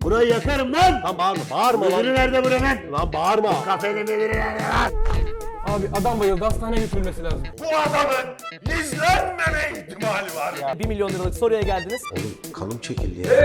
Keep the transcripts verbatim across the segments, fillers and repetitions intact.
Burayı yakarım lan! Lan bağırma, bağırma lan. Müdürü nerede buranın? Lan bağırma. Kafenin müdürü nerede lan? Abi adam bayıldı, hastaneye götürülmesi lazım. Bu adamın izlenmeme ihtimali var ya. bir milyon liralık soruya geldiniz. Oğlum kanım çekildi ya.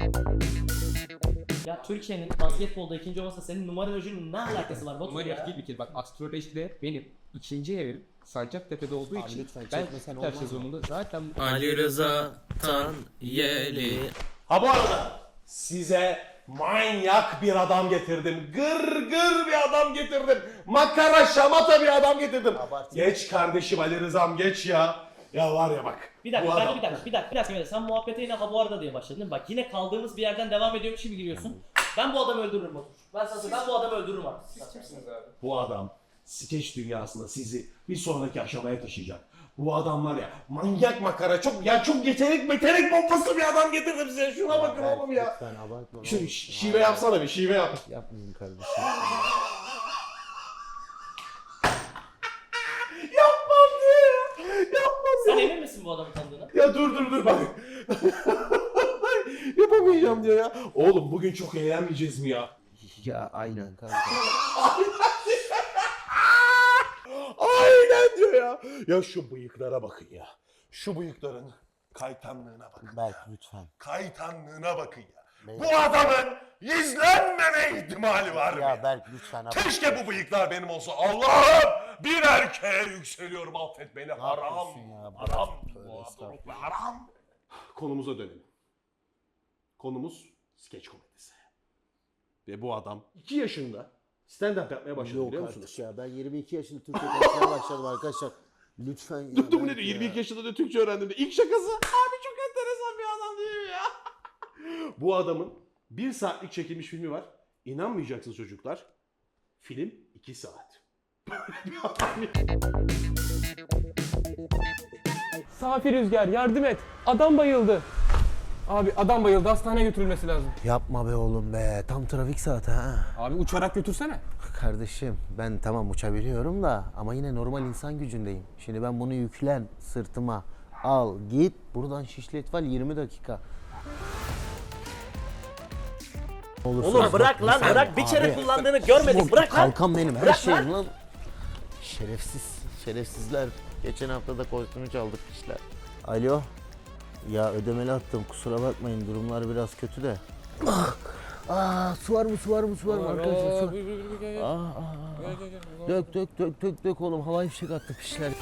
Ya Türkiye'nin basketbolda ikinci olmasa senin numarolojinin ne alakası var Batu Numara ya? değil bir kere. Bak astrolojide benim ikinci evim Sancaktepe'de olduğu için lütfen ben çekmesen her olmaz mı? sezonunda zaten Ali Rıza Tanyeli. Ha bu arada size manyak bir adam getirdim. Gır gır bir adam getirdim. Makara şamata bir adam getirdim. Geç kardeşim Ali Rızam geç ya. Ya var ya bak. Bir dakika, bu ben adam- bir dakika, bir dakika, bir dakika, bir dakika. Sen muhabbete yine ha bu arada diye başladın değil mi? Bak yine kaldığımız bir yerden devam ediyormuş gibi giriyorsun. Ben bu adamı öldürürüm Batu. Ben sana söyleyeyim, ben bu adamı öldürürüm abi. Bu adam skeç dünyasında sizi bir sonraki aşamaya taşıyacak. Bu adam var ya manyak makara çok ya çok yetenek metenek bombası bir adam getirdim size. Şuna bakın oğlum ya. Lütfen abartma. Şu şi- şive yapsana bir şive yap. Yapmayın kardeşim. Yapmam diye ya. Yapmam Sen emin misin bu adamı tanıdığına? Ya dur dur dur bak. Yapamayacağım diyor ya. Oğlum bugün çok eğlenmeyeceğiz mi ya? Ya aynen kanka. Aynen diyor ya. Ya şu bıyıklara bakın ya. Şu bıyıkların kaytanlığına bakın. Berk lütfen. Kaytanlığına bakın ya. Berk. Bu adamın izlenmeme ihtimali var Ya ya. Berk lütfen. abartma. Keşke bu bıyıklar benim olsa. Allah'ım bir erkeğe yükseliyorum affet beni. Haram. yapıyorsun ya? Haram. Tövbe Bu estağfurullah. adam haram. Konumuza dönelim. Konumuz skeç komedisi. Ve bu adam iki yaşında stand-up yapmaya başladı Yok biliyor artık musunuz? ya. Ben yirmi iki yaşında Türkiye konuşmaya başladım arkadaşlar. Lütfen ya. Tuttu mu ne Berk diyor? ya. yirmi iki yaşında da Türkçe öğrendim de. İlk şakası. Abi çok enteresan bir adam değil mi ya? Bu adamın bir saatlik çekilmiş filmi var. İnanmayacaksınız çocuklar. Film iki saat. Safi Rüzgar yardım et. Adam bayıldı. Abi adam bayıldı, hastaneye götürülmesi lazım. Yapma be oğlum be. Tam trafik saati ha. Abi uçarak götürsene. Kardeşim ben tamam uçabiliyorum da ama yine normal insan gücündeyim. Şimdi ben bunu yüklen sırtıma al git buradan Şişli İtfal yirmi dakika. Olursa Oğlum bak, bırak lan sen- bırak. Bir kere Abi, kullandığını görmedik. Bırak lan. Kalkan benim her Bırak şeyim lan. Şerefsiz, şerefsizler. Geçen hafta da kostümü çaldık işler. Alo. Ya ödemeli attım kusura bakmayın durumlar biraz kötü de. Ah, ah, su var mı su var mı su var mı arkadaşlar su var. Ah, ah, ah. Dök dök dök dök dök oğlum havai fişek attı pişler.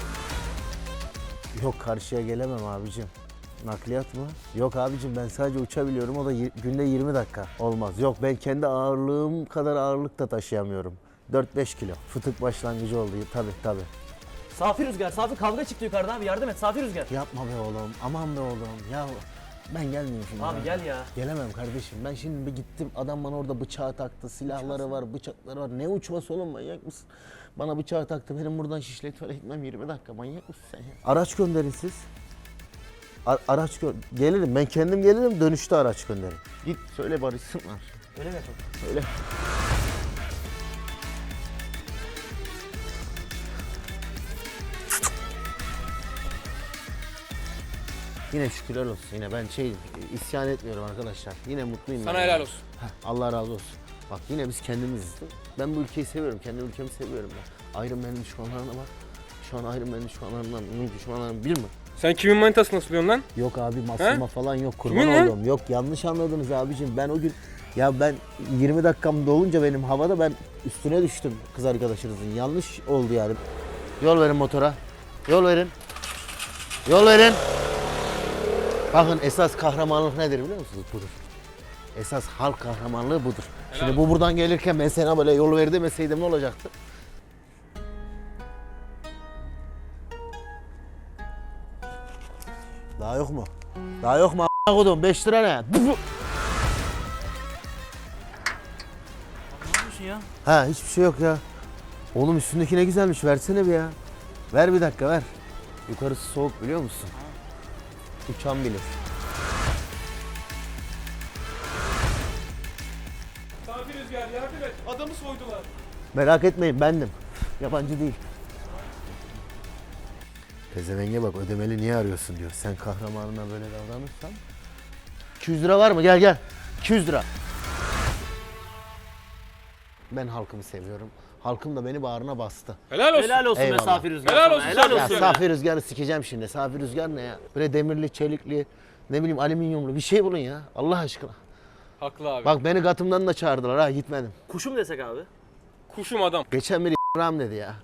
Yok karşıya gelemem abicim. Nakliyat mı? Yok abicim ben sadece uçabiliyorum o da y- günde yirmi dakika. Olmaz. Yok ben kendi ağırlığım kadar ağırlık da taşıyamıyorum. dört beş kilo. Fıtık başlangıcı oldu tabi tabi. Safi Rüzgar, Safi kavga çıktı yukarıda abi yardım et Safi Rüzgar. Yapma be oğlum aman be oğlum ya ben gelmeyeyim şimdi. Abi ya. gel ya. Gelemem kardeşim ben şimdi bir gittim adam bana orada bıçağı taktı silahları var bıçakları var ne uçması oğlum manyak mısın? Bana bıçağı taktı benim buradan Şişli İtfal'e gitmem yirmi dakika manyak mısın sen ya? Araç gönderin siz. A- araç gö gelirim ben kendim gelirim dönüşte araç gönderin. Git söyle barışsınlar. Öyle mi yapalım? Söyle. Yine şükürler olsun. Yine ben şey isyan etmiyorum arkadaşlar. Yine mutluyum. Sana ben helal yani. olsun. Heh, Allah razı olsun. Bak yine biz kendimiziz. Ben bu ülkeyi seviyorum. Kendi ülkemi seviyorum ben. Iron Man'in düşmanlarına bak. Şu an Iron Man'in düşmanlarından bunun düşmanlarını bir mi? Sen kimin manitasını asılıyorsun lan? Yok abi masuma falan yok kurban Kimin lan? oldum. Yok yanlış anladınız abicim. Ben o gün ya ben yirmi dakikam dolunca benim havada ben üstüne düştüm kız arkadaşınızın. Yanlış oldu yani. Yol verin motora. Yol verin. Yol verin. Bakın esas kahramanlık nedir biliyor musunuz? Budur. Esas halk kahramanlığı budur. Şimdi bu buradan gelirken ben sana böyle yol ver demeseydim ne olacaktı? Daha yok mu? Daha yok mu a**a kodum? beş lira ne? Ne yapıyorsun ya? Ha hiçbir şey yok ya. Oğlum üstündeki ne güzelmiş versene bir ya. Ver bir dakika ver. Yukarısı soğuk biliyor musun? Uçan bilir. Safi Rüzgar yardım et. Adamı soydular. Merak etmeyin bendim. Yabancı değil. Pezevenge bak ödemeli niye arıyorsun diyor. Sen kahramanına böyle davranırsan. iki yüz lira var mı? Gel gel. iki yüz lira. Ben halkımı seviyorum. Halkım da beni bağrına bastı. Helal olsun. Helal olsun Eyvallah. be Safi Rüzgar. Helal sana, olsun Helal Safi Ya olsun. Safi Rüzgar'ı sikeceğim şimdi. Safi Rüzgar ne ya? Böyle demirli, çelikli, ne bileyim alüminyumlu bir şey bulun ya. Allah aşkına. Haklı abi. Bak beni Gatım'dan da çağırdılar ha, gitmedim. Kuşum desek abi. Kuşum adam. Geçen biri ram dedi ya.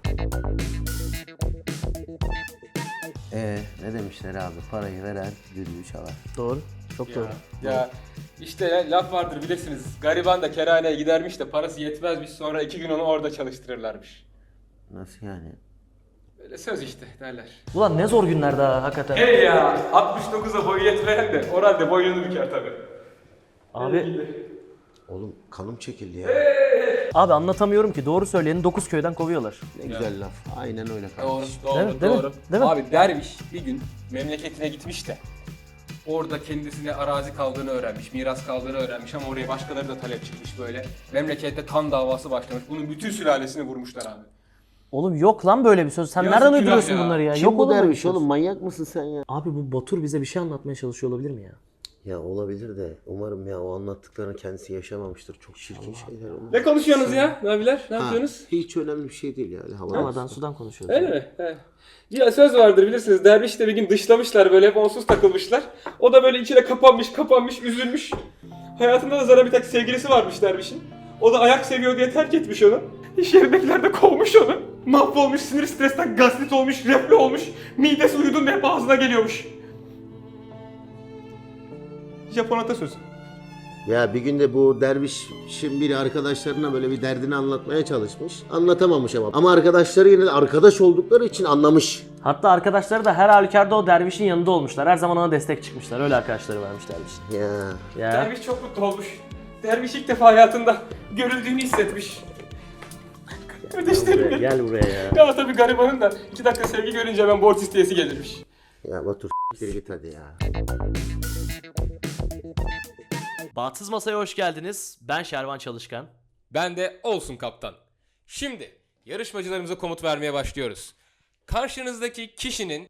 Ee, ne demişler abi? Parayı veren düdüğü çalar. Doğru. Çok doğru. Ya işte ya, laf vardır bilirsiniz. Gariban da kerhaneye gidermiş de parası yetmezmiş, sonra iki gün onu orada çalıştırırlarmış. Nasıl yani? Böyle söz işte derler. Ulan ne zor günler daha hakikaten. Hey ya, altmış dokuza boyu yetmeyen de orada boynunu büker tabii. Abi Oğlum kanım çekildi ya. abi anlatamıyorum ki. Doğru söyleyeni dokuz köyden kovuyorlar. Ne güzel laf. Aynen öyle Doğru, kardeşim. doğru, Değil mi? Değil mi? doğru. Değil mi? Abi derviş bir gün memleketine gitmiş de orada kendisine arazi kaldığını öğrenmiş, miras kaldığını öğrenmiş ama oraya başkaları da talep çıkmış böyle. Memlekette kan davası başlamış. Bunun bütün sülalesini vurmuşlar abi. Oğlum yok lan böyle bir söz. Sen Yazık nereden günah uyduruyorsun ya. bunları ya? Kim yok bu oğlum böyle bir derviş söz. oğlum? Manyak mısın sen ya? Abi bu Batur bize bir şey anlatmaya çalışıyor olabilir mi ya? Ya olabilir de umarım ya o anlattıklarını kendisi yaşamamıştır. Çok çirkin şeyler onlar. Ne konuşuyorsunuz ya? Ne abiler? Ne Ha, yapıyorsunuz? hiç önemli bir şey değil yani. Hava Havadan sudan konuşuyoruz. Öyle mi? He. Ya söz vardır bilirsiniz. Derviş de bir gün dışlamışlar böyle hep onsuz takılmışlar. O da böyle içine kapanmış kapanmış üzülmüş. Hayatında da zaten bir tek sevgilisi varmış dervişin. O da ayak seviyor diye terk etmiş onu. İş yerindekiler de kovmuş onu. Mahvolmuş, sinir stresten gastrit olmuş, reflü olmuş. Midesi uyuduğunda hep ağzına geliyormuş. Japon atasözü. Ya bir gün de bu dervişin biri arkadaşlarına böyle bir derdini anlatmaya çalışmış. Anlatamamış ama. Ama arkadaşları yine de arkadaş oldukları için anlamış. Hatta arkadaşları da her halükarda o dervişin yanında olmuşlar. Her zaman ona destek çıkmışlar. Öyle arkadaşları varmış dervişin. Ya. Ya. Derviş çok mutlu olmuş. Derviş ilk defa hayatında görüldüğünü hissetmiş. Kardeşlerim benim. Gel buraya ya. Ya tabii garibanın da iki dakika sevgi görünce hemen borç isteyesi gelirmiş. Ya Batur s**tir git hadi ya. Bahtsız Masa'ya hoş geldiniz. Ben Şervan Çalışkan. Ben de olsun kaptan. Şimdi yarışmacılarımıza komut vermeye başlıyoruz. Karşınızdaki kişinin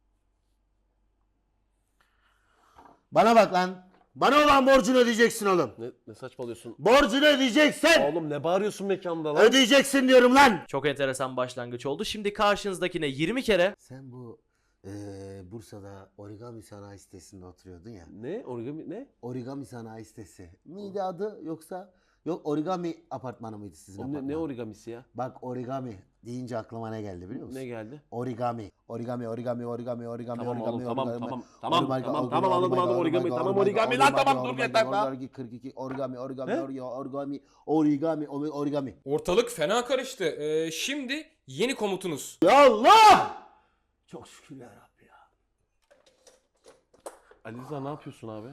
Bana bak lan. Bana olan borcunu ödeyeceksin oğlum. Ne, ne saçmalıyorsun? Borcunu ödeyeceksin. Oğlum ne bağırıyorsun mekanda lan? Ödeyeceksin diyorum lan. Çok enteresan başlangıç oldu. Şimdi karşınızdakine yirmi kere Sen bu eee Bursa'da origami sanayi sitesinde oturuyordun ya. Ne? Origami ne? Origami sanayi sitesi. Miydi adı yoksa? Yok origami apartmanı mıydı sizin Oğlum ne, apartman? ne origamisi ya? Bak origami deyince aklıma ne geldi biliyor musun? Ne geldi? Origami. Origami, origami, origami, origami, Tamam origami, oğlum, tamam, origami, tamam, tamam, origami, tamam, origami, tamam, anladım, origami, anladım, origami, origami, tamam, origami, origami, lan, origami, tamam, dur, origami, yeter lan. origami, kırk iki, origami, origami, He? origami, origami, origami, origami, origami. ortalık fena karıştı. Ee, şimdi yeni komutunuz. Ya Allah! Çok şükür ya Rabbi ya. Ali Rıza ne yapıyorsun abi?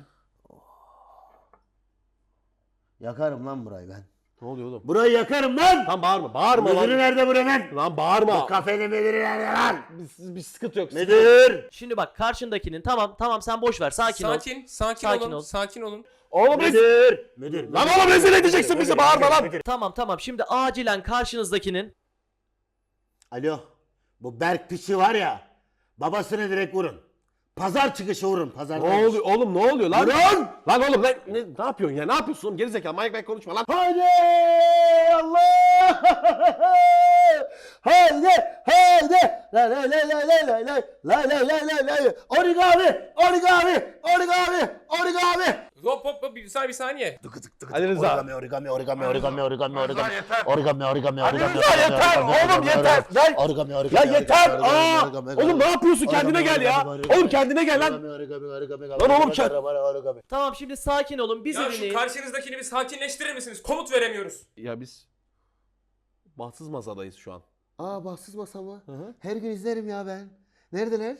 Yakarım lan burayı ben. Ne oluyor oğlum? Burayı yakarım lan! Lan bağırma, bağırma Müdürü lan. nerede buranın? Lan Bu bağırma. kafenin müdürü nerede lan? Bir, bir sıkıntı yok. Müdür! Şimdi bak karşındakinin tamam tamam sen boş ver sakin, ol. Sakin, sakin, Sakin olun, ol. sakin olun. Oğlum biz... Müdür! Müdür! Lan oğlum rezil edeceksin bizi, bağırma lan. Tamam tamam şimdi acilen karşınızdakinin Alo. Bu Berk piçi var ya. Babasını direkt vurun. Pazar çıkışı vurun. Pazar. Ne oluyor oğlum, ne oluyor lan? Vurun! Lan oğlum ne, ne, ne yapıyorsun ya? Ne yapıyorsun oğlum? Gerizekalı manyak manyak konuşma lan. Haydi Allah! Haydi! Haydi! La la la la la la la la la la la la origami! Origami! Origami! Origami! Hop hop hop bir saniye bir saniye. Ali Rıza. Origami, origami, origami, origami, origami, origami. Origami, origami, Ali origami. Rıza yeter oğlum yeter. Lan. Origami, origami. Ya yeter. origami, Aa! origami, origami. Oğlum ne yapıyorsun? Kendine Origami, gel ya. origami, Oğlum kendine gel lan. Origami, origami, origami, Lan oğlum origami, sen- origami. tamam şimdi sakin olun bizi Ya şu dinleyin. karşınızdakini bir sakinleştirir misiniz? Komut veremiyoruz. Ya biz bahtsız masadayız şu an. Aa bahtsız masa mı? Hı hı. Her gün izlerim ya ben. Neredeler?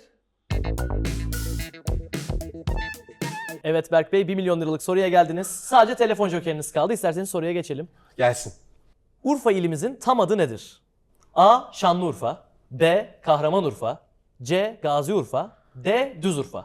Evet Berk Bey bir milyon liralık soruya geldiniz. Sadece telefon jokeriniz kaldı. İsterseniz soruya geçelim. Gelsin. Urfa ilimizin tam adı nedir? A. Şanlıurfa B. Kahramanurfa C. Gaziurfa D. Düzurfa.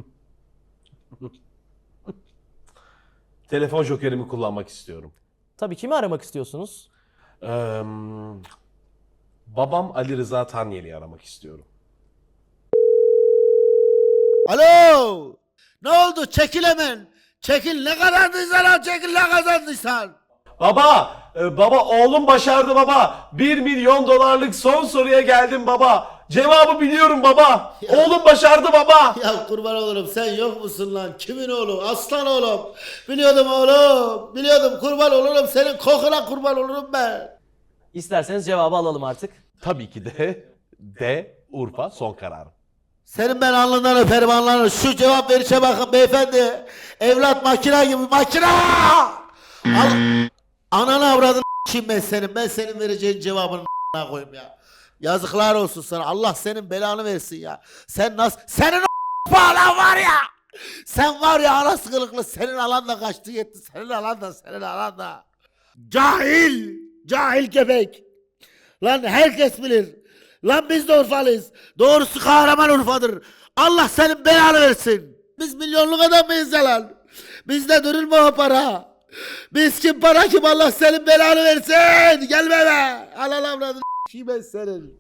Telefon jokerimi kullanmak istiyorum. Tabii kimi aramak istiyorsunuz? Ee, babam Ali Rıza Tanyeli'yi aramak istiyorum. Alo! Ne oldu? Çekil hemen. Çekil ne kazandıysan al çekil ne kazandıysan. Baba, e, baba oğlum başardı baba. bir milyon dolarlık son soruya geldim baba. Cevabı biliyorum baba. Ya. Oğlum başardı baba. Ya kurban olurum sen yok musun lan? Kimin oğlu? Aslan oğlum. Biliyordum oğlum. Biliyordum kurban olurum. Senin kokuna kurban olurum ben. İsterseniz cevabı alalım artık. Tabii ki de D Urfa son kararım. Senin ben alnından öperim alnından. Şu cevap verişe bakın beyefendi. Evlat makina gibi makina. Al. Ananı avradını s**eyim ben senin. Ben senin vereceğin cevabını a**ına koyayım ya. Yazıklar olsun sana. Allah senin belanı versin ya. Sen nasıl... Senin o bağlan var ya. Sen var ya anası kılıklı. Senin alan da kaçtı yetti. Senin alan da senin alan da. Cahil. Cahil köpek. Lan herkes bilir. Lan biz de Urfalıyız. Doğrusu kahraman Urfa'dır. Allah senin belanı versin. Biz milyonluk adam mıyız ya lan? Bizde durulma o para. Biz kim para kim Allah senin belanı versin. Gelme be. Al al avradını s**eyim ben senin.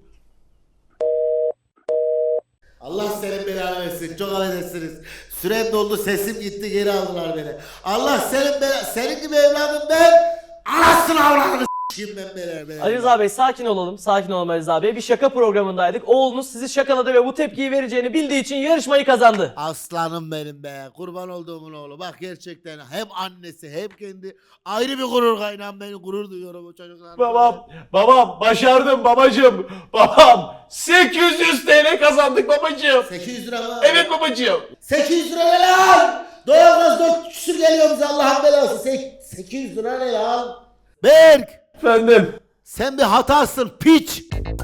Allah senin belanı versin. Çok affedersiniz. Sürem doldu sesim gitti geri aldılar beni. Allah senin belanı. Senin gibi evladım ben. Anasını avradını s**eyim ben belanı. belanı. Ali Rıza Bey sakin olalım. Sakin olalım Ali Rıza Bey. Bir şaka programındaydık. Oğlunuz sizi şakaladı ve bu tepkiyi vereceğini bildiği için yarışmayı kazandı. Aslanım benim be. Kurban olduğumun oğlu. Bak gerçekten hem annesi hem kendi ayrı bir gurur kaynağım. Ben gurur duyuyorum o çocuklarla. Babam, babam başardım babacığım. Babam sekiz yüz T L kazandık babacığım. sekiz yüz lira mı? Evet babacığım. sekiz yüz lira ne lan? Doğalgaz dört küsür geliyor bize Allah'ın belası. Sek- sekiz yüz lira ne lan? Berk! Efendim. Sen bir hatasın piç.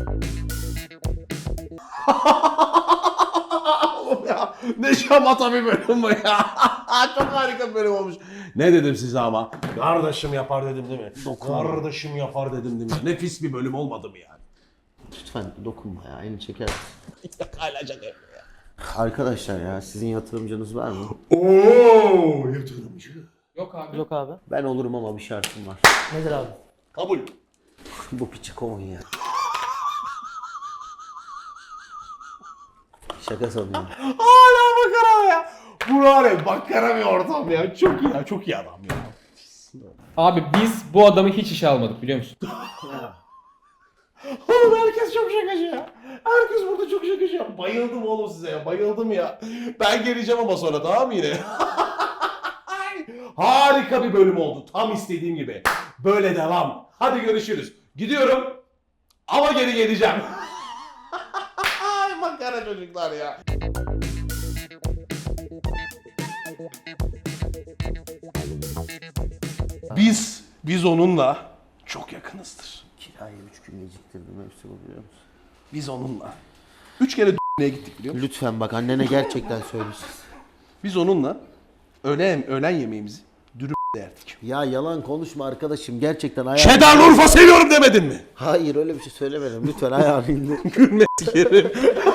Oğlum ya ne şamata bir bölüm bu ya. Çok harika bir bölüm olmuş. Ne dedim size ama? Kardeşim yapar dedim değil mi? Kardeşim yapar dedim değil mi? Nefis bir bölüm olmadı mı yani? Lütfen dokunma ya elini çeker. Hala şaka yapıyor ya. Arkadaşlar ya sizin yatırımcınız var mı? Ooo yatırımcı. Yok abi. Yok abi. Ben olurum ama bir şartım var. Nedir abi? Kabul. Bu piçi kovun ya. Şaka sanıyorum. Hala bakara ya. Bu var ya bakara bir ortam ya. Çok iyi ya. Çok iyi adam ya. Abi biz bu adamı hiç işe almadık biliyor musun? Oğlum herkes çok şakacı ya. Herkes burada çok şakacı ya. Bayıldım oğlum size ya. Bayıldım ya. Ben geleceğim ama sonra tamam mı yine? Harika bir bölüm oldu. Tam istediğim gibi. Böyle devam. Hadi görüşürüz. Gidiyorum. Ama geri geleceğim. Ay makara çocuklar ya. Biz, biz onunla çok yakınızdır. Kirayı üç gün geciktirdim hepsi bu biliyor musun? Biz onunla. Üç kere d***ye gittik biliyor musun? Lütfen bak annene gerçekten söylesin. Biz onunla öğlen, öğlen yemeğimizi dürüm yerdik. Ya yalan konuşma arkadaşım gerçekten ayağı... Çedar Urfa seviyorum demedin mi? Hayır öyle bir şey söylemedim lütfen ayağını indir. Gülme sikerim.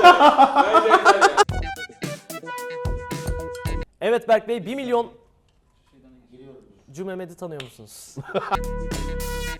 Evet Berk Bey bir milyon... Cü Mehmet'i tanıyor musunuz?